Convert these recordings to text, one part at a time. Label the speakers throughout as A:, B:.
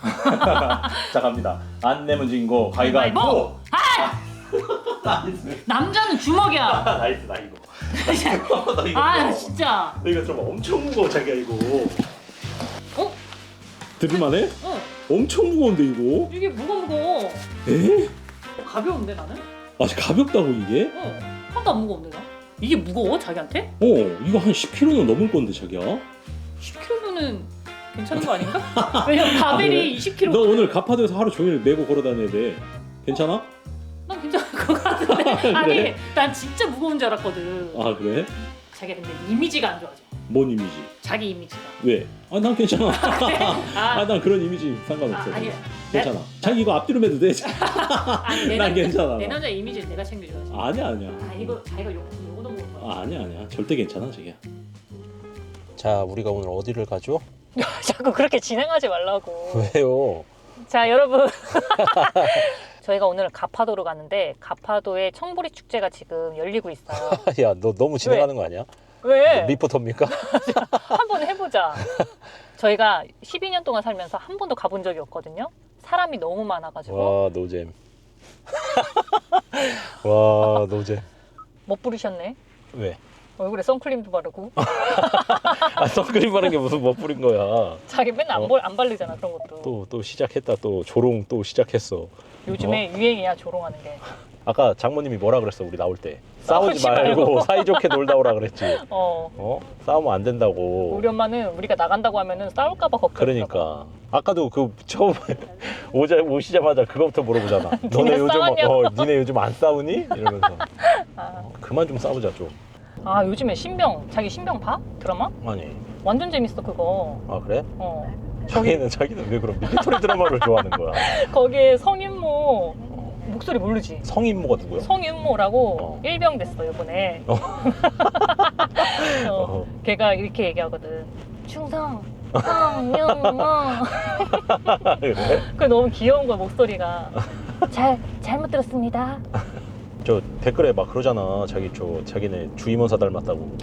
A: 자 갑니다. 안 내면 진 거 가위바위보. 나이스.
B: 남자는 주먹이야.
A: 나이스 나 이거. 나 이거.
B: 아 진짜.
A: 너 이거 좀 엄청 무거워 자기야 이거.
B: 어?
A: 들을만해?
B: 어.
A: 엄청 무거운데 이거?
B: 이게 무거워.
A: 에?
B: 가벼운데 나는?
A: 아 가볍다고 이게?
B: 하나도 안 무거운데 나? 이게 무거워 자기한테?
A: 이거 한 10kg는 넘을 건데 자기야.
B: 10kg면은 괜찮은 거 아닌가? 왜냐면 바벨이
A: 그래?
B: 20kg.
A: 너 오늘 가파도에서 하루 종일 메고 걸어 다녀야 돼. 괜찮아?
B: 난 괜찮을 것 같은데. 아니
A: 그래?
B: 난 진짜 무거운 줄 알았거든.
A: 아 그래?
B: 자기 근데 이미지가 안 좋아져.
A: 뭔 이미지?
B: 자기 이미지가.
A: 왜? 아 난 괜찮아.
B: 아,
A: 난 그런 이미지 상관없어.
B: 아니야.
A: 괜찮아. 자기 이거 앞뒤로 매도 돼.
B: 아니,
A: 난 괜찮아.
B: 내 남자 이미지를 내가 챙겨줘야지.
A: 아니야 아니야.
B: 아 이거 자기가 요거 넘어온 거야.
A: 아니야 절대 괜찮아 자기야.
C: 자, 우리가 오늘 어디를 가죠?
B: 자꾸 그렇게 진행하지 말라고.
C: 왜요?
B: 자 여러분 저희가 오늘 가파도로 갔는데 가파도의 청보리 축제가 지금 열리고 있어요.
C: 야, 너 너무 진행하는 거 아니야?
B: 왜?
C: 리포터입니까?
B: 한번 해보자. 저희가 12년 동안 살면서 한 번도 가본 적이 없거든요. 사람이 너무 많아가지고.
C: 와, 노잼. 와, 노잼.
B: 못 부르셨네.
C: 왜?
B: 얼굴에 선크림도 바르고.
C: 아, 선크림 바른 게 무슨 뭐 뿌린 거야?
B: 자기 맨날 안 바르잖아 그런 것도.
C: 또 시작했다. 또 조롱 또 시작했어.
B: 요즘에 유행이야 조롱하는 게.
C: 아까 장모님이 뭐라 그랬어? 우리 나올 때. 싸우지
B: 싸우지
C: 말고
B: 말고.
C: 사이좋게 놀다 오라 그랬지.
B: 어.
C: 싸우면 안 된다고.
B: 우리 엄마는 우리가 나간다고 하면은 싸울까봐 걱정.
C: 그러니까 아까도 그 처음 오시자마자 그거부터 물어보잖아. 너네 요즘
B: 싸웠냐고.
C: 니네 요즘 안 싸우니? 이러면서
B: 아.
C: 그만 좀 싸우자 좀.
B: 아 요즘에 신병 자기 신병 봐? 드라마?
C: 아니.
B: 완전 재밌어 그거.
C: 아 그래?
B: 어.
C: 자기는 왜 그런 밀리터리 드라마를 좋아하는 거야?
B: 거기에 성윤모 목소리 모르지?
C: 성인모가 누구야?
B: 성윤모라고 일병 됐어 이번에. 걔가 이렇게 얘기하거든. 충성 성윤모.
C: 그래?
B: 그 너무 귀여운 거야 목소리가. 잘못 들었습니다.
C: 저 댓글에 막 그러잖아. 자기네 주임원사 닮았다고.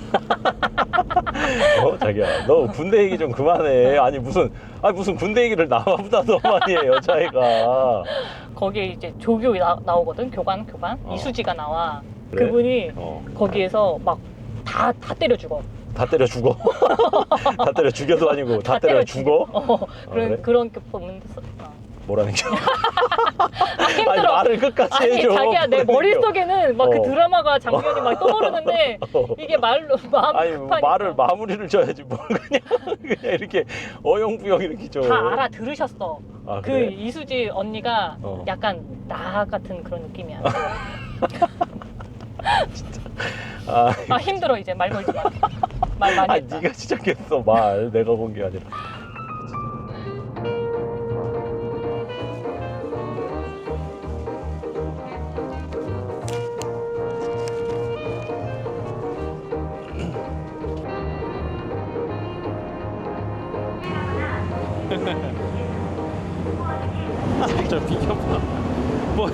C: 자기야, 너 군대 얘기 좀 그만해. 아니 무슨 군대 얘기를 나보다 더 많이 해 여자애가.
B: 거기에 이제 조교 나오거든. 교관 이수지가 나와.
C: 그래?
B: 그분이 거기에서 막 다 때려 죽어.
C: 다 때려 죽어. 다 때려 죽여도 아니고 다 때려 죽어.
B: 그런
C: 그래?
B: 그런 게 보면
C: 뭐라는 게?
B: 힘들어.
C: 아니 말을 끝까지
B: 아니
C: 해줘.
B: 자기야 내 머릿속에는 막 그 드라마가 장면이 막 떠오르는데 이게 말로 마음
C: 아니
B: 급하니까.
C: 말을 마무리를 줘야지 뭘 그냥 이렇게 어영부영 이렇게 줘.
B: 다 알아들으셨어.
C: 아,
B: 그
C: 그래?
B: 이수지 언니가 약간 나 같은 그런 느낌이야. 아 힘들어 이제 말 걸지 마. 말 많이
C: 아니
B: 했다.
C: 네가 시작했어 말. 내가 본 게 아니라.
A: 저 비켜봐. 뭐?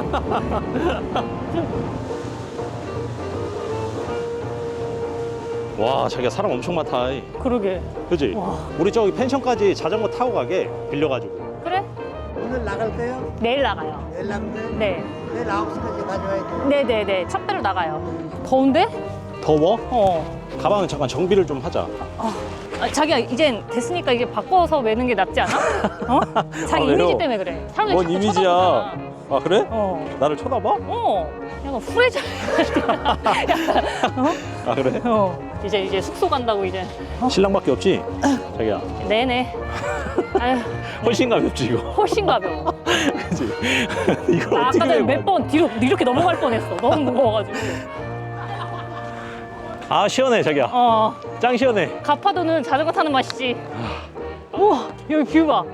A: 와 자기야 사람 엄청 많다.
B: 그러게.
A: 그지?
B: 와.
A: 우리 저기 펜션까지 자전거 타고 가게 빌려가지고.
B: 그래?
D: 오늘 나갈 거예요?
B: 내일 나가요.
D: 내일 나갈 거예요?
B: 네.
D: 내일 9시까지 가져와야 돼.
B: 네네네. 첫 배로 나가요. 더운데?
A: 더워?
B: 어.
A: 가방은 잠깐 정비를 좀 하자.
B: 아, 자기야 이젠 됐으니까 이제 바꿔서 매는 게 낫지 않아? 어? 자기
A: 아, 왜요?
B: 이미지 때문에 그래. 사람들이
A: 뭔
B: 자꾸
A: 이미지야?
B: 쳐다보잖아.
A: 아 그래?
B: 어.
A: 나를 쳐다봐?
B: 약간 후레자.
A: 아 그래?
B: 이제 숙소 간다고 이제.
A: 신랑밖에 없지? 자기야
B: 네네. 아유,
A: 훨씬 가볍지 이거.
B: 훨씬 가벼워.
A: 그지? 이거
B: 나
A: 어떻게
B: 아까 전에
A: 메고
B: 몇 번 뒤로 이렇게 넘어갈 뻔했어. 너무 무거워가지고.
A: 아 시원해 자기야. 짱 시원해.
B: 가파도는 자전거 타는 맛이지. 우와 여기 뷰 봐.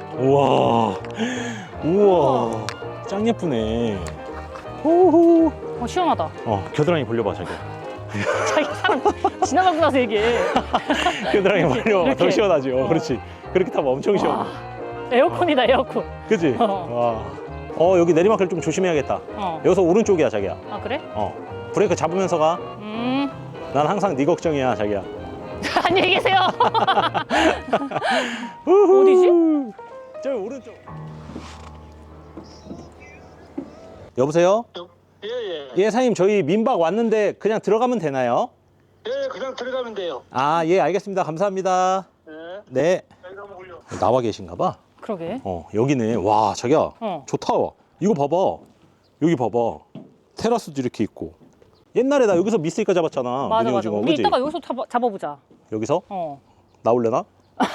A: 우와 짱 예쁘네. 호호.
B: 시원하다.
A: 겨드랑이 벌려봐 자기야.
B: 자기 사람 지나가고 나서 얘기해.
A: 겨드랑이 벌려봐.
B: 이렇게.
A: 더 시원하지. 그렇지. 그렇게 타면 엄청 시원해.
B: 에어컨이다 에어컨.
A: 그지? 와. 여기 내리막길 좀 조심해야겠다. 여기서 오른쪽이야 자기야.
B: 아 그래?
A: 브레이크 잡으면서 가. 난 항상 네 걱정이야 자기야.
B: 안녕히 계세요. 어디지?
A: 저 오른 여보세요?
E: 예.
A: 예, 사장님 저희 민박 왔는데 그냥 들어가면 되나요?
E: 예, 그냥 들어가면 돼요.
A: 아, 예, 알겠습니다. 감사합니다.
E: 네.
A: 네.
E: 여기가 뭐요?
A: 나와 계신가 봐.
B: 그러게.
A: 여기네. 와, 자기야.
B: 어.
A: 좋다. 이거 봐봐. 여기 봐봐. 테라스도 이렇게 있고. 옛날에 나 여기서 미스이까 잡았잖아.
B: 맞아,
A: 미니
B: 맞아.
A: 오징어,
B: 우리
A: 그지?
B: 이따가 여기서 잡아보자.
A: 여기서?
B: 어.
A: 나올래나?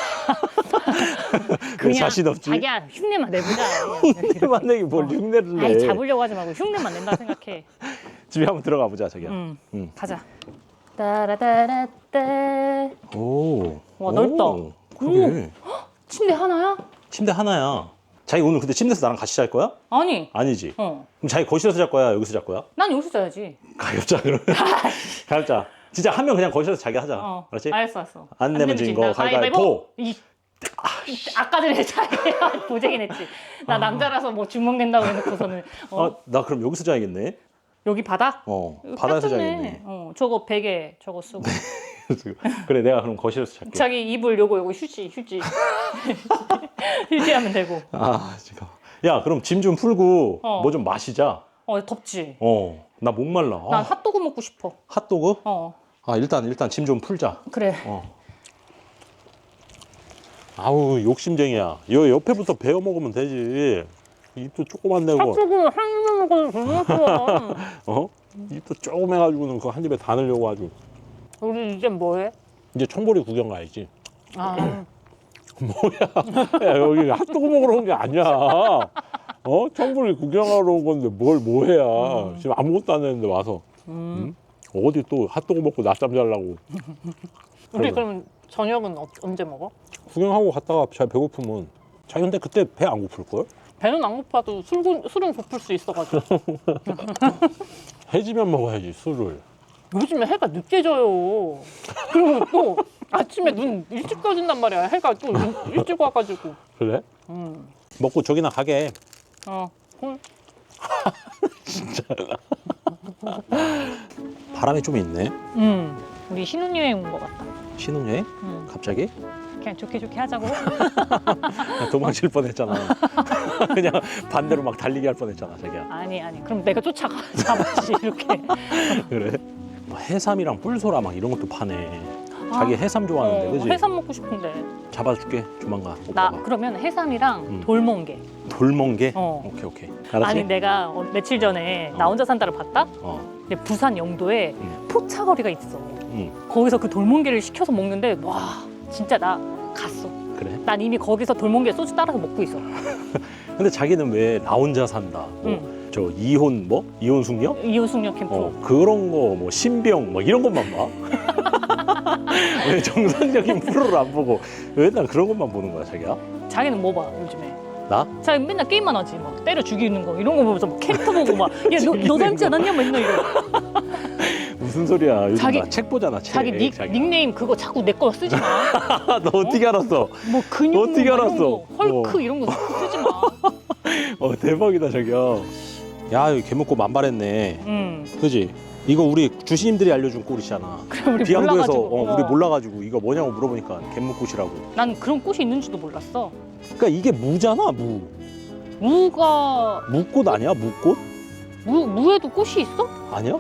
A: 왜 자신 없지?
B: 자기야, 흉내만 내보자.
A: 흉내만 내기 뭘 흉내를 내.
B: 아이, 잡으려고 하지 말고 흉내만 낸다 생각해.
A: 집에 한번 들어가 보자, 자기야.
B: 응. 가자. 따라따라따.
A: 오.
B: 와, 넓다.
A: 그래.
B: 침대 하나야?
A: 침대 하나야. 자기 오늘 근데 침대에서 나랑 같이 잘 거야?
B: 아니.
A: 아니지.
B: 어.
A: 그럼 자기 거실에서 잘 거야? 여기서 잘 거야?
B: 난 여기서 자야지.
A: 가볍자 그러면. 가볍자. 진짜 한 명 그냥 거실에서 자기 하자. 그렇지?
B: 알았어.
A: 안 내면 진 거 가위바위보.
B: 아까 전에 자기야 보재긴 했지. 나 남자라서 뭐 주먹 낸다고 해놓고서는
A: 나 그럼 여기서 자야겠네.
B: 여기 바다?
A: 바다에서
B: 딱 좋네.
A: 자야겠네.
B: 저거 베개 저거 쓰고.
A: 그래, 내가 그럼 거실에서 잘게.
B: 자기 이불 요거 휴지 휴지하면 되고.
A: 아, 지금. 야, 그럼 짐 좀 풀고 뭐 좀 마시자.
B: 덥지.
A: 나 목말라.
B: 난 핫도그 먹고 싶어.
A: 핫도그? 일단 짐 좀 풀자.
B: 그래.
A: 아우, 욕심쟁이야. 여 옆에부터 베어 먹으면 되지. 입도 조그만 내고.
B: 핫도그 한 입만 먹어도 정말 좋아.
A: 입도 조금 해가지고는 그거 한 입에 다 넣으려고 아주.
B: 우리 이제 뭐해?
A: 이제 청보리 구경 가야지.
B: 아.
A: 뭐야? 야, 여기 핫도그 먹으러 온 게 아니야. 청보리 구경하러 온 건데 뭘 뭐해야. 지금 아무것도 안 했는데 와서. 어디 또 핫도그 먹고 낮잠 자려고.
B: 우리 그럼 저녁은 언제 먹어?
A: 구경하고 갔다가 잘 배고프면. 자기 근데 그때 배 안 고플걸?
B: 배는 안 고파도 술은 고플 수 있어가지고.
A: 해지면 먹어야지, 술을.
B: 요즘에 해가 늦게 져요. 그리고 또 아침에 눈 일찍 떠진단 말이야. 해가 또 일찍 와가지고.
A: 그래? 먹고 저기나 가게. 바람이 좀 있네.
B: 우리 신혼여행 온 것 같다.
A: 신혼여행? 갑자기?
B: 그냥 좋게 하자고.
A: 도망칠 뻔했잖아. 그냥 반대로 막 달리기 할 뻔했잖아, 자기야.
B: 아니. 그럼 내가 쫓아가 잡았지 이렇게.
A: 그래? 뭐 해삼이랑 뿔소라 막 이런 것도 파네. 자기 해삼 좋아하는데, 그지?
B: 해삼 먹고 싶은데.
A: 잡아줄게, 조만간.
B: 나
A: 오빠가.
B: 그러면 해삼이랑 돌멍게.
A: 돌멍게?
B: 어.
A: 오케이. 알았지?
B: 아니 내가 며칠 전에 나 혼자 산다를 봤다? 근데 부산 영도에 포차거리가 있어. 거기서 그 돌멍게를 시켜서 먹는데 와 진짜 나 갔어.
A: 그래?
B: 난 이미 거기서 돌멍게 소주 따라서 먹고 있어.
A: 근데 자기는 왜 나 혼자 산다? 저 이혼 이혼 숙녀?
B: 이혼 숙녀 캠프.
A: 그런 거 뭐 신병 뭐 이런 것만 봐. 왜 정상적인 프로를 안 보고 왜 난 그런 것만 보는 거야, 자기야?
B: 자기는 뭐 봐 요즘에?
A: 나?
B: 자기 맨날 게임만 하지 막 때려 죽이는 거 이런 거 보면서 막 캐릭터 보고 막 야 너 닮지 않았냐 맨날 이러.
A: 무슨 소리야? 요즘
B: 자기-
A: 나 책 보잖아, 책.
B: 자기 닉네임 그거 자꾸 내 거 쓰지 마.
A: 너 어떻게 알았어?
B: 뭐 근육
A: 어떻게
B: 뭐
A: 알았어?
B: 이런 거, 헐크 이런 거 쓰지 마.
A: 대박이다, 자기야. 야, 여기 개먹고 만발했네. 그지? 이거 우리 주시님들이 알려준 꿀이잖아.
B: 그래 우리
A: 비양도에서
B: 몰라가지고.
A: 우리 몰라가지고 이거 뭐냐고 물어보니까 갯묵꽃이라고.
B: 난 그런 꽃이 있는지도 몰랐어.
A: 그러니까 이게 무잖아, 무.
B: 무가
A: 무꽃 아니야? 무꽃?
B: 무에도 꽃이 있어?
A: 아니야?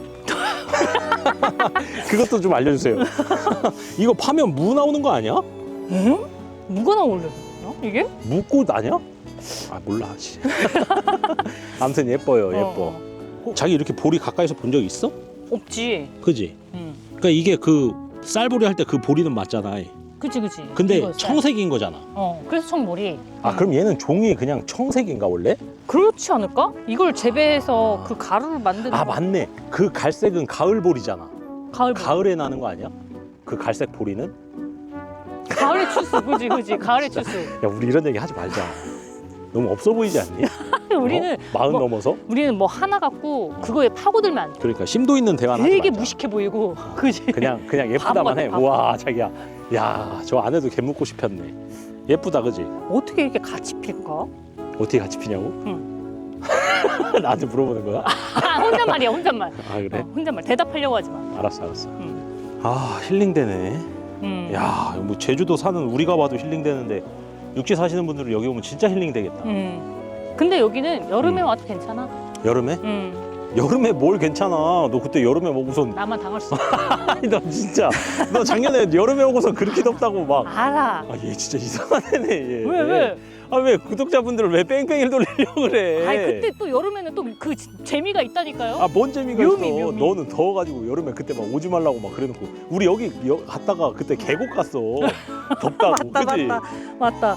A: 그것도 좀 알려주세요. 이거 파면 무 나오는 거 아니야?
B: 응? 무가 나올려나 이게?
A: 무꽃 아니야? 아, 몰라. 아무튼 예뻐요, 예뻐. 자기 이렇게 보리 가까이서 본 적 있어?
B: 없지.
A: 그지?
B: 응.
A: 그러니까 이게 그 쌀보리 할 때 그 보리는 맞잖아.
B: 그치.
A: 근데
B: 이거
A: 청색인 거잖아.
B: 그래서 청머리.
A: 아, 그럼 얘는 종이 그냥 청색인가 원래?
B: 그렇지 않을까? 이걸 재배해서 그 가루를 만드는.
A: 아, 맞네. 그 갈색은 가을 보리잖아.
B: 가을.
A: 가을에 나는 거 아니야? 그 갈색 보리는?
B: 가을의 추수. 그지. 가을의 추수.
A: 야, 우리 이런 얘기 하지 말자. 너무 없어 보이지 않니?
B: 우리는
A: 마흔
B: 뭐-
A: 넘어서?
B: 우리는 뭐 하나 갖고 그거에 파고들면 안 돼.
A: 그러니까 심도 있는 대화는 하지
B: 되게
A: 말자.
B: 무식해 보이고. 그지.
A: 그냥 예쁘다만 해.
B: 바보.
A: 우와, 자기야. 야, 저 안에도 개묵꽃이 폈네. 예쁘다, 그지?
B: 어떻게 이렇게 같이 필까?
A: 어떻게 같이 피냐고?
B: 응.
A: 나한테 물어보는 거야?
B: 혼잣말이야 혼잣말.
A: 아, 그래?
B: 혼잣말 대답하려고 하지 마.
A: 알았어. 아, 힐링되네. 야, 뭐 제주도 사는 우리가 봐도 힐링되는데 육지 사시는 분들은 여기 오면 진짜 힐링되겠다.
B: 근데 여기는 여름에 와도 괜찮아.
A: 여름에? 여름에 뭘 괜찮아. 너 그때 여름에 먹고선
B: 나만 당할 수 있어.
A: 아니 너 진짜 너 작년에 여름에 오고서 그렇게 덥다고 막.
B: 알아.
A: 아 얘 진짜 이상한 애네 얘.
B: 왜?
A: 아 왜 구독자분들을 왜 뺑뺑이를 돌리려고 그래?
B: 아니 그때 또 여름에는 또 그 재미가 있다니까요.
A: 아 뭔 재미가
B: 묘미,
A: 있어.
B: 묘미.
A: 너는 더워가지고 여름에 그때 막 오지 말라고 막 그래놓고 우리 여기 갔다가 그때 계곡 갔어. 덥다고. 그치?
B: 맞다.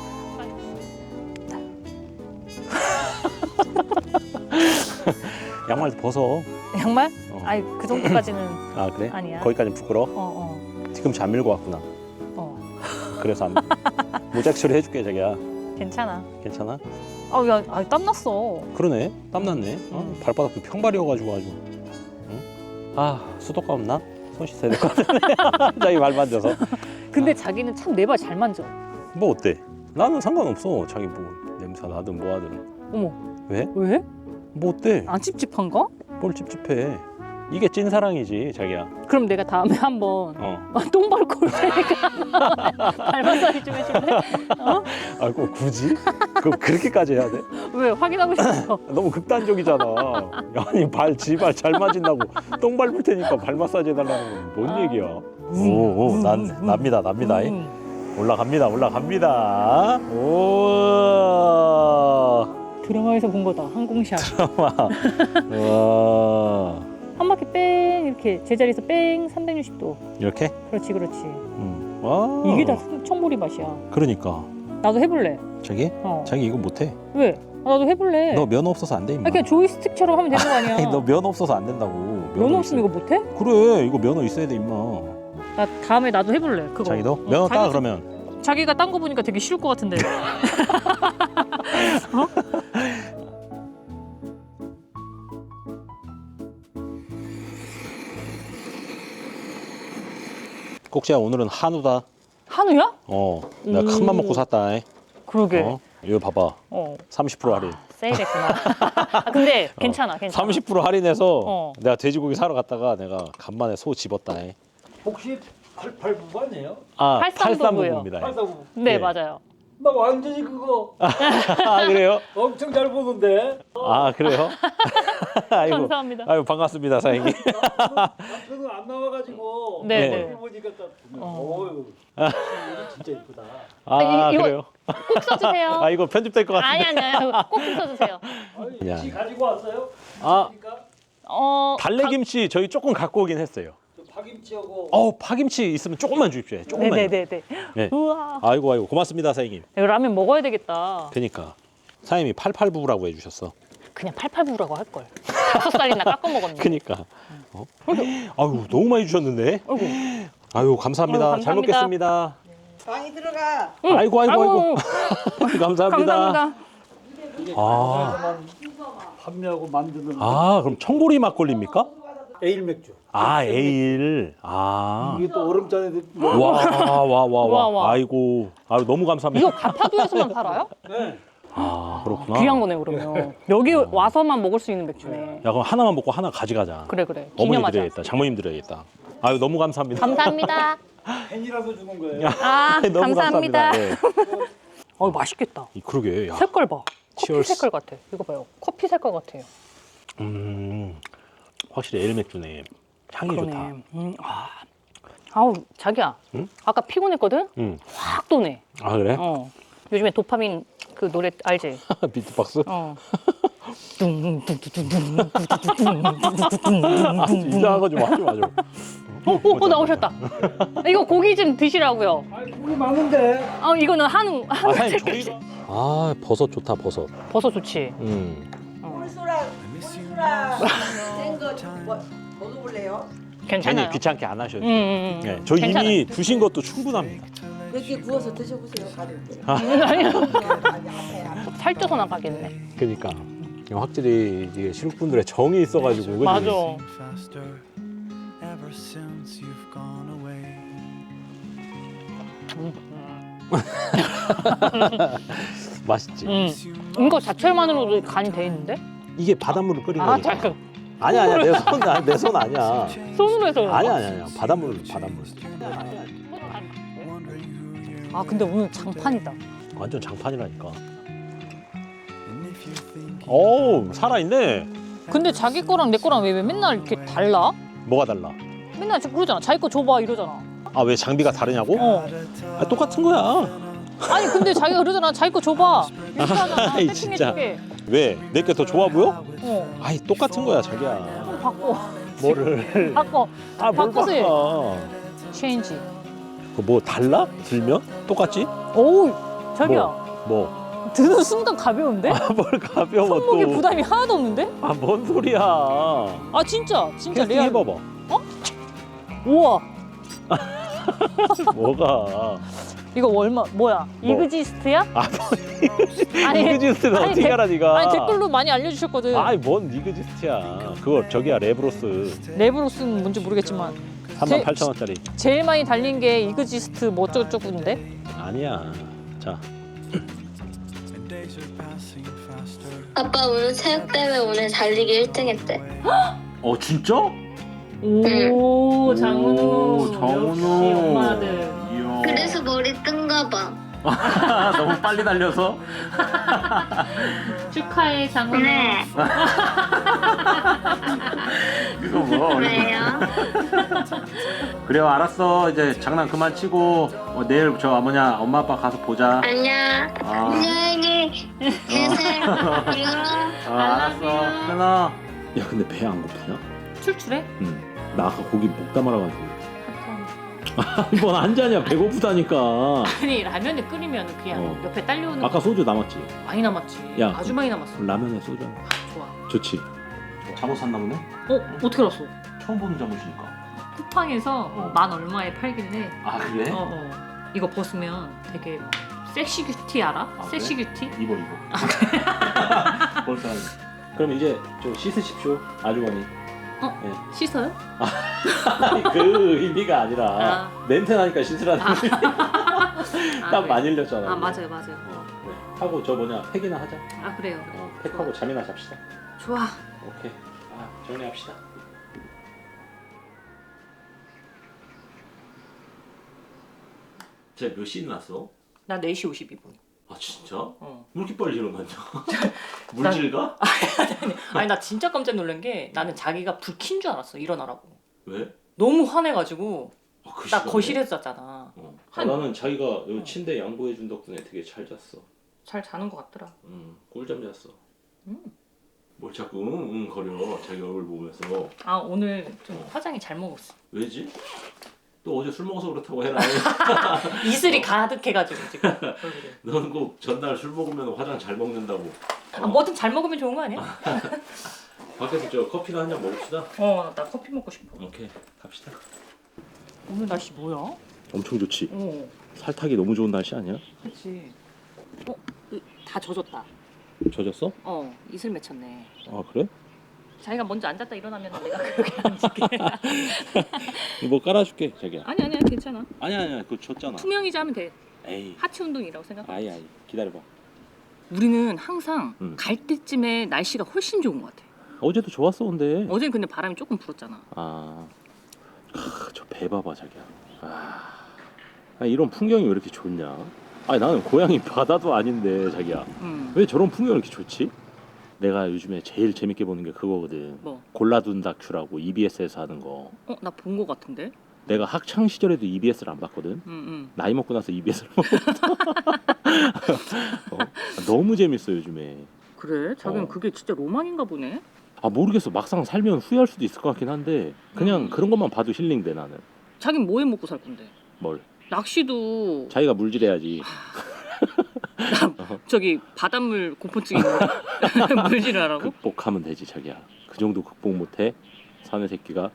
A: 양말 벗어.
B: 양말?
A: 어.
B: 아니 그 정도까지는
A: 아 그래?
B: 아니야.
A: 거기까지는 부끄러워?
B: 어.
A: 뒤꿈치 안 밀고 왔구나.
B: 어.
A: 그래서 안 모자이크 처리 해줄게 자기야.
B: 괜찮아.
A: 괜찮아?
B: 야, 땀 났어.
A: 그러네. 땀났네. 발바닥도 평발이어가지고 아주. 응? 아 수도가 없나? 손 씻어야 될 것 같은데. 자기 발 만져서.
B: 근데 자기는 참 내 발 잘 만져.
A: 뭐 어때? 나는 상관없어. 자기 뭐 냄새 나든 뭐 하든.
B: 어머.
A: 왜?
B: 왜?
A: 뭐 어때?
B: 안 찝찝한가?
A: 뭘 찝찝해. 이게 찐사랑이지 자기야.
B: 그럼 내가 다음에 한번 똥 밟고 올 테니까 발 마사지 좀 해줄래? 어?
A: 아, 꼭 굳이? 그렇게까지 해야 돼?
B: 왜? 확인하고 싶어.
A: 너무 극단적이잖아. 아니 지발 잘 맞은다고 똥 밟을 테니까 발 마사지 해달라는 건 뭔 얘기야? 오, 납니다. 올라갑니다. 오.
B: 드라마에서 본 거다. 항공샷.
A: 와.
B: 한 바퀴 뺑 이렇게 제자리에서 뺑 360도.
A: 이렇게?
B: 그렇지.
A: 와.
B: 이게 다 청보리 맛이야.
A: 그러니까.
B: 나도 해볼래.
A: 자기?
B: 어.
A: 자기 이거 못해.
B: 왜? 나도 해볼래.
A: 너 면허 없어서 안 돼, 임마.
B: 그냥 조이스틱처럼 하면 되는 거 아니야.
A: 아니, 너 면허 없어서 안 된다고.
B: 면허 없으면 이거 못해?
A: 그래, 이거 면허 있어야 돼, 임마.
B: 나 다음에 나도 해볼래. 그거.
A: 자기도? 면허 따,
B: 자기-
A: 그러면.
B: 자기가 딴 거 보니까 되게 쉬울 것 같은데. 어?
A: 꼭지야, 오늘은 한우다.
B: 한우야?
A: 내가 큰 맘 먹고 샀다.
B: 그러게.
A: 이거 봐봐.
B: 어.
A: 30% 할인.
B: 세일했구나. 근데 괜찮아.
A: 30% 할인해서
B: 어.
A: 내가 돼지고기 사러 갔다가 내가 간만에 소 집었다.
F: 혹시 88부부 아니에요?
A: 아,
B: 83부부요.
A: 83부부입니다.
F: 83부부.
B: 네,
A: 예.
B: 맞아요.
F: 나 완전히 그거
A: 아, 그래요?
F: 엄청 잘 보는데.
A: 아, 그래요? 아이고.
B: 감사합니다.
A: 아이고, 반갑습니다, 사장님.
F: 남편은 안 나와가지고.
B: 네,
A: 네.
F: 얼굴 보니까 딱. 어유. 진짜 이쁘다.
A: 아,
B: 이거-
A: 그래요?
B: 꼭 써주세요.
A: 아, 이거 편집될 것 같은데.
B: 아니. 꼭 좀 써주세요.
F: 아니,
A: 야.
F: 지 가지고 왔어요?
A: 아,
F: 그러니까
A: 달래김치 저희 조금 갖고 오긴 했어요.
F: 저 파김치하고.
A: 파김치 있으면 조금만 주십시오. 조금만.
B: 네네네네.
A: 네.
B: 우와.
A: 아이고, 고맙습니다, 사장님.
B: 이거 라면 먹어야 되겠다.
A: 그니까. 사장님이 88부부라고 해주셨어.
B: 그냥 88부라고 할 걸. 5살이나 깎아 먹었네.
A: 그니까. 아유, 너무 많이 주셨는데. 아유, 감사합니다.
B: 아유,
A: 잘
B: 감사합니다.
A: 먹겠습니다.
D: 방이 들어가.
A: 아이고. 감사합니다. 아,
F: 판매하고 만드는
A: 그럼 청보리 막걸리입니까?
F: 에일 맥주.
A: 에일.
F: 이게 또 얼음잔에
A: 와. 아이고. 아유, 너무 감사합니다.
B: 이거 가파도에서만 팔아요?
F: 네.
A: 그렇구나.
B: 귀한 거네 그러면. 여기 와서만 먹을 수 있는 맥주네.
A: 야, 그럼 하나만 먹고 하나 가져가자.
B: 그래.
A: 어머니
B: 기념하자.
A: 드려야겠다. 장모님 드려야겠다. 아유, 너무 감사합니다.
B: 감사합니다.
F: 팬이라서 주는 거예요.
A: 너무
B: 감사합니다.
A: 예.
B: 맛있겠다.
A: 그러게. 야.
B: 색깔 봐. 커피
A: 치얼스.
B: 색깔 같아. 이거 봐요. 커피 색깔 같아요.
A: 확실히 에일 맥주네. 향이 좋다.
B: 그러네. 아우 자기야.
A: 응?
B: 아까 피곤했거든?
A: 응.
B: 확 도네.
A: 아, 그래?
B: 요즘에 도파민 그 노래 알지?
A: 비트박스?
B: 어.
A: 이상한 거 좀 하지 마, 좀.
B: 나오셨다. 이거 고기 좀 드시라고요.
F: 아니, 고기 많은데.
B: 이거는 한우
A: 사장님,
B: 색깔.
A: 저희가. 버섯 좋다, 버섯.
B: 버섯 좋지.
D: 꿀소라 된거 먹어볼래요?
B: 괜찮아요.
A: 귀찮게 안 하셔도 돼요. 네, 저
B: 괜찮아요.
A: 이미 주신 것도 충분합니다.
D: 몇 개 구워서 드셔보세요. 가릴 때.
B: 아니요.
D: 아파요.
B: 살쪄서 나가겠네.
A: 그러니까 확실히 이게 신국분들의 정이 있어가지고. 그지?
B: 맞아.
G: ever since you've gone away.
A: 맛있지.
B: 이거 자체만으로도 간이 돼 있는데?
A: 이게 바닷물을 끓인 거니까.
B: 잠깐.
A: 아니야, 내 손 아니야.
B: 손으로 해서.
A: 아니야. 바닷물.
B: 근데 오늘 장판이다.
A: 완전 장판이라니까. 어우, 살아있네.
B: 근데 자기 거랑 내 거랑 왜 맨날 이렇게 달라?
C: 뭐가 달라?
B: 맨날 그러잖아. 자기 거 줘봐 이러잖아.
C: 아 왜 장비가 다르냐고?
B: 어.
C: 아 똑같은 거야.
B: 아니 근데 자기가 그러잖아. 자기 거 줘봐. 이렇게 하잖아.
C: 아이,
B: 세팅해줄게.
C: 왜? 내게 더 좋아 보여?
B: 어.
C: 아이 똑같은 거야 자기야.
B: 그럼 바꿔.
C: 뭐를?
B: 바꿔.
C: 아뭘
B: 바꿔서 해.
C: 바꿔?
B: 체인지.
C: 그뭐 달라? 들면? 똑같지?
B: 오우 자기야.
C: 뭐?
B: 드는 순간 가벼운데?
C: 뭘 가벼워
B: 손목에
C: 또?
B: 부담이 하나도 없는데?
C: 아 뭔 소리야?
B: 아 진짜
C: 캐스팅
B: 레알.
C: 해봐봐.
B: 우와
C: 뭐가?
B: 이거 얼마 뭐야?
C: 뭐?
B: 이그지스트야?
C: 아
B: 아니,
C: 이그지스트는
B: 아니,
C: 어떻게
B: 댓-
C: 알아 네가?
B: 아니 댓글로 많이 알려주셨거든.
C: 아이 뭔 이그지스트야? 그거 저기야 레브로스
B: 랩으로서는 뭔지 모르겠지만
C: 38,000원짜리.
B: 제일 많이 달린 게 이그지스트 뭐 어쩌고저쩌고인데?
C: 아니야. 자
G: and days are passing faster.
H: 아빠 오늘 체육대회 오늘 달리기 1등 했대.
C: 어 진짜?
B: 오
C: 장은우. 역시 엄마
B: 아들.
C: 이야.
H: 그래서 머리 뜬가 봐.
C: 너무 빨리 달려서?
B: 축하해 장은우.
H: 네.
C: 그거 뭐?
H: 왜요?
C: 그래요 알았어 이제 장난 그만 치고 내일 저 뭐냐 엄마 아빠 가서 보자.
H: 안녕.
C: 아.
H: 안녕히 계세요.
C: 알았어 끊어. 야 근데 배 안 고프냐?
B: 출출해?
C: 나 아까 고기 목 담아라가지고. 뭔 한 잔이야 배고프다니까.
B: 아니 라면을 끓이면 그냥
C: 어.
B: 옆에 딸려오는
C: 아까 소주 남았지?
B: 많이 남았지.
C: 야,
B: 아주 많이 남았어.
C: 라면에 소주 한
B: 좋아.
C: 좋지. 잠옷 샀나 보네?
B: 어떻게 알았어?
C: 처음 보는 잠옷이니까.
B: 쿠팡에서 만 얼마에 팔길래.
C: 아 그래?
B: 이거 벗으면 되게 막 섹시 큐티 알아?
C: 아,
B: 섹시 큐티?
C: 입어. 벌써. 그럼 이제 좀 씻으십시오 아주머니.
B: 씻어요?
C: 그 의미가 아니라
B: 아.
C: 냄새 나니까 씻으라는
B: 아.
C: 의미. 딱
B: 그래.
C: 많이 흘렸잖아.
B: 아
C: 이거.
B: 맞아요.
C: 그래. 하고 저 뭐냐 팩이나 하자.
B: 아 그래요.
C: 팩하고 잠이나 잡시다.
B: 좋아.
C: 오케이. 정리합시다. 쟤 몇 시에 났어?
B: 나 4시 52분.
C: 아 진짜?
B: 어.
C: 왜 이렇게 빨리 일어났냐? 물질 가?
B: 아니 나 진짜 깜짝 놀란 게 나는 자기가 불 킨 줄 알았어. 일어나라고.
C: 왜?
B: 너무 화내가지고
C: 그
B: 나
C: 시간에?
B: 거실에서 잤잖아.
C: 나는 자기가 여기 침대 양보해 준 덕분에 되게 잘 잤어.
B: 잘 자는 것 같더라.
C: 꿀잠 잤어. 뭘 자꾸 응 거려 자기 얼굴 보면서.
B: 아 오늘 좀 화장이 잘 먹었어.
C: 왜지? 또 어제 술 먹어서 그렇다고 해라.
B: 이슬이 가득해가지고 지금 얼굴에.
C: 너는 꼭 전날 술 먹으면 화장 잘 먹는다고.
B: 아, 뭐든 잘 먹으면 좋은 거 아니야?
C: 밖에서 저 커피나 한 잔 먹읍시다.
B: 나 커피 먹고 싶어.
C: 오케이 갑시다.
B: 오늘 날씨 뭐야?
C: 엄청 좋지.
B: 어,
C: 살 타기 너무 좋은 날씨 아니야?
B: 그렇지. 다 젖었다.
C: 젖었어?
B: 이슬 맺혔네.
C: 아 그래?
B: 자기가 먼저 앉았다 일어나면 내가 그렇게 앉을게.
C: 뭐 깔아줄게 자기야.
B: 아니야 괜찮아.
C: 아니야 그거 줬잖아.
B: 투명이자 하면 돼.
C: 에이.
B: 하체 운동이라고 생각해.
C: 아이 기다려봐.
B: 우리는 항상
C: 갈
B: 때쯤에 날씨가 훨씬 좋은 것 같아.
C: 어제도 좋았어 근데.
B: 어제는 근데 바람이 조금 불었잖아.
C: 저 배 봐봐 자기야. 이런 풍경이 왜 이렇게 좋냐? 나는 고향이 바다도 아닌데 자기야. 왜 저런 풍경이 이렇게 좋지? 내가 요즘에 제일 재밌게 보는 게 그거거든.
B: 뭐?
C: 골라둔 다큐라고 EBS에서 하는 거.
B: 나 본 거 같은데?
C: 내가 학창 시절에도 EBS를 안 봤거든. 나이 먹고 나서 EBS를 봤거든. 너무 재밌어 요즘에.
B: 그래? 자기는 그게 진짜 로망인가 보네.
C: 모르겠어. 막상 살면 후회할 수도 있을 것 같긴 한데 그냥 그런 것만 봐도 힐링돼 나는.
B: 자긴 뭐해 먹고 살 건데?
C: 뭘?
B: 낚시도
C: 자기가 물질해야지.
B: 저기 바닷물 공포증 있는데 물질을 하라고?
C: 극복하면 되지 자기야. 그 정도 극복 못해? 사내 새끼가.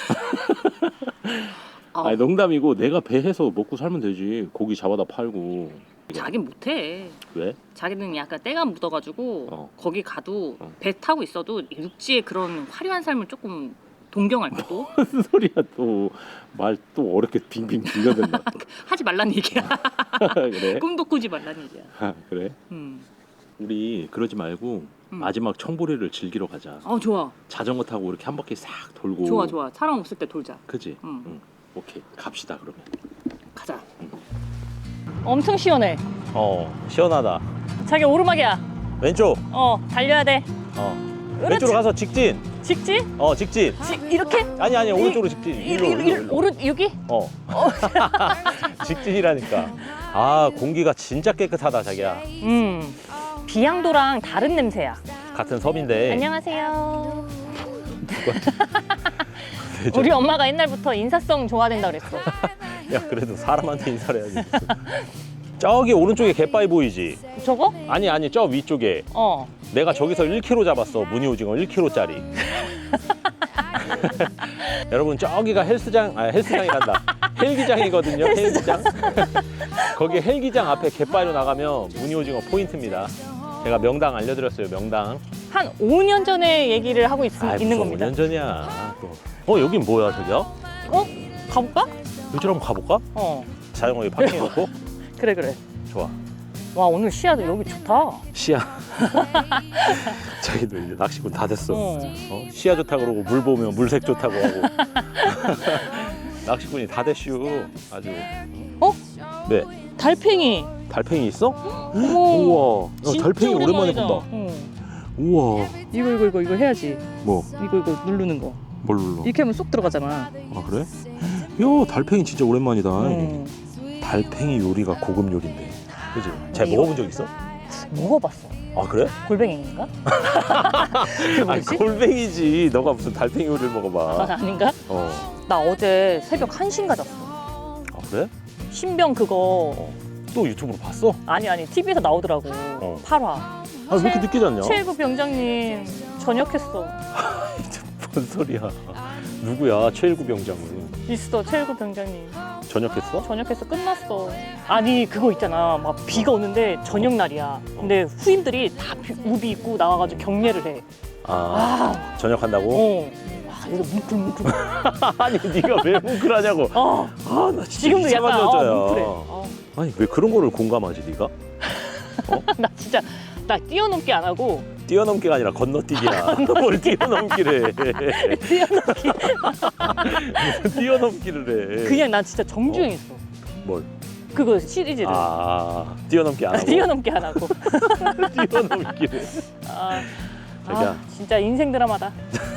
C: 농담이고 내가 배 해서 먹고 살면 되지. 고기 잡아다 팔고.
B: 자긴 못해.
C: 왜?
B: 자기는 약간 때가 묻어가지고 거기 가도
C: 어.
B: 배 타고 있어도 육지의 그런 화려한 삶을 조금 동경할 거고.
C: 무슨 소리야 또. 말 또 어렵게 빙빙 빌려댄다.
B: 하지 말란 얘기야.
C: 그래?
B: 꿈도 꾸지 말란 얘기야.
C: 그래? 우리 그러지 말고 마지막 청보리를 즐기러 가자.
B: 좋아.
C: 자전거 타고 이렇게 한 바퀴 싹 돌고.
B: 좋아. 사람 없을 때 돌자.
C: 그지?
B: 응.
C: 오케이 갑시다 그러면.
B: 가자. 엄청 시원해.
C: 시원하다.
B: 자기 오르막이야.
C: 왼쪽.
B: 달려야 돼.
C: 왼쪽으로 가서 직진.
B: 직진?
C: 직진.
B: 이렇게?
C: 아니 오른쪽으로 직진. 일로.
B: 오른 여기?
C: 직진이라니까. 아 공기가 진짜 깨끗하다 자기야.
B: 비양도랑 다른 냄새야.
C: 같은 섬인데.
B: 안녕하세요. 우리 엄마가 옛날부터 인사성 좋아된다 그랬어.
C: 야 그래도 사람한테 인사를 해야지. 저기 오른쪽에 갯바위 보이지?
B: 저거?
C: 아니 저 위쪽에. 내가 저기서 1kg 잡았어. 무늬 오징어 1kg짜리. 여러분 저기가 헬스장이 간다. 헬기장이거든요. 헬기장. 거기 헬기장 앞에 갯바위로 나가면 무늬 오징어 포인트입니다. 제가 명당 알려드렸어요. 명당.
B: 한 5년 전에 얘기를 하고 있는 겁니다.
C: 5년 전이야. 또. 여긴 뭐야 저기야?
B: 가볼까?
C: 이쪽으로 한번 가볼까? 자전거 여기 파킹해놓고.
B: 그래.
C: 좋아.
B: 와 오늘 시야도 여기 좋다.
C: 시야. 자기도 이제 낚시꾼 다 됐어. 시야 좋다 그러고 물 보면 물색 좋다고 하고. 낚시꾼이 다 됐슈. 아주. 네.
B: 달팽이.
C: 달팽이 있어?
B: 어머.
C: 우와.
B: 진짜
C: 달팽이 오랜만에
B: 오랜만이다.
C: 본다. 우와.
B: 이거 해야지.
C: 뭐?
B: 이거 누르는 거.
C: 뭘 눌러?
B: 이렇게 하면 쏙 들어가잖아.
C: 아 그래? 야 달팽이 진짜 오랜만이다. 달팽이 요리가 고급 요리인데. 그지? 잘
B: 이거-
C: 먹어본 적 있어?
B: 먹어봤어.
C: 아 그래?
B: 골뱅이인가? 그게
C: 아니
B: 뭐지?
C: 골뱅이지. 너가 무슨 달팽이 요리를 먹어봐.
B: 아닌가? 나 어제 새벽 1시인가 잤어.
C: 아 그래?
B: 신병 그거
C: 또 유튜브로 봤어?
B: 아니 TV에서 나오더라고. 8화.
C: 아 왜 이렇게 늦게 잤냐?
B: 최일구 병장님 전역했어.
C: 뭔 소리야? 누구야? 최일구 병장은
B: 있어 최일구 병장님
C: 전역했어?
B: 전역해서 끝났어. 아니 그거 있잖아 막 비가 오는데 저녁 날이야. 근데 후임들이 다 우비 입고 나와가지고 격려를 해.
C: 전역한다고?
B: 이거 뭉클뭉클.
C: 아니 네가 왜 뭉클하냐고. 나
B: 지금도 약간 뭉클해.
C: 아니 왜 그런 거를 공감하지 네가?
B: 나 진짜 나 뛰어넘기 안 하고
C: 뛰어넘기가 아니라 건너뛰기야. 뭘 뛰어넘기를 해.
B: 뛰어넘기
C: 무슨 뛰어넘기를 해.
B: 그냥 난 진짜 정주행했어.
C: 뭘?
B: 그거 시리즈를.
C: 뛰어넘기 안 하고.
B: 뛰어넘기 안 하고.
C: 뛰어넘기를. 자기야.
B: 진짜 인생 드라마다.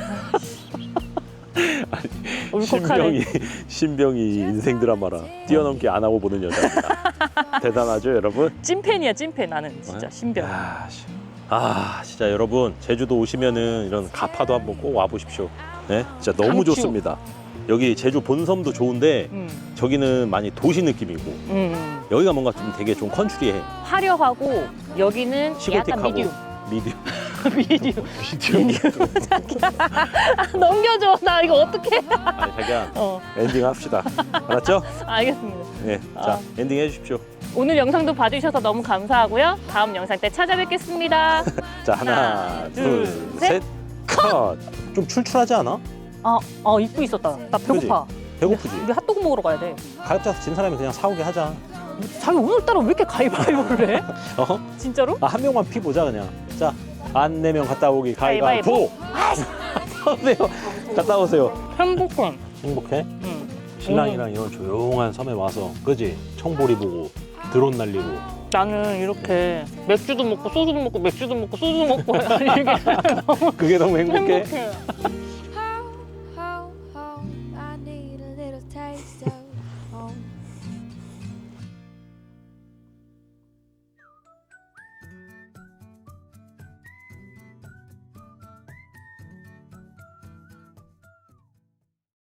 B: 울컥하네.
C: 신병이 인생 드라마라 뛰어넘기 안 하고 보는 여자입니다. 대단하죠 여러분?
B: 찐팬이야 찐팬 나는 진짜 신병.
C: 진짜 여러분 제주도 오시면은 이런 가파도 한번 꼭 와보십시오. 네, 진짜 너무
B: 강추.
C: 좋습니다. 여기 제주 본섬도 좋은데 저기는 많이 도시 느낌이고 여기가 뭔가 좀 되게 좀 컨츄리해.
B: 화려하고 여기는 약간
C: 시골틱하고
B: 미디움.
C: 미디움.
B: 자기야 넘겨줘. 나 이거 어떡해.
C: 아니 자기야 엔딩 합시다. 알았죠?
B: 알겠습니다.
C: 네, 자 엔딩 해주십시오.
B: 오늘 영상도 봐주셔서 너무 감사하고요. 다음 영상 때 찾아뵙겠습니다.
C: 자 하나
B: 둘,
C: 둘셋 컷. 좀 출출하지 않아?
B: 입고 있었다. 나 배고파.
C: 배고프지?
B: 우리 핫도그 먹으러 가야 돼.
C: 가입자서 진 사람이 그냥 사오게 하자.
B: 자기 오늘따라 왜 이렇게 가위바위보를 해? 진짜로?
C: 한 명만 피 보자 그냥. 자, 안 내면 갔다 오기 가위바위보. 오세요. 갔다 오세요.
B: 행복한.
C: 행복해? 신랑이랑 이런 조용한 섬에 와서, 그지? 청보리 보고 드론 날리고.
B: 나는 이렇게 맥주도 먹고 소주도 먹고 맥주도 먹고 소주도 먹고 이게
C: 그게 너무 행복해?
B: 행복해.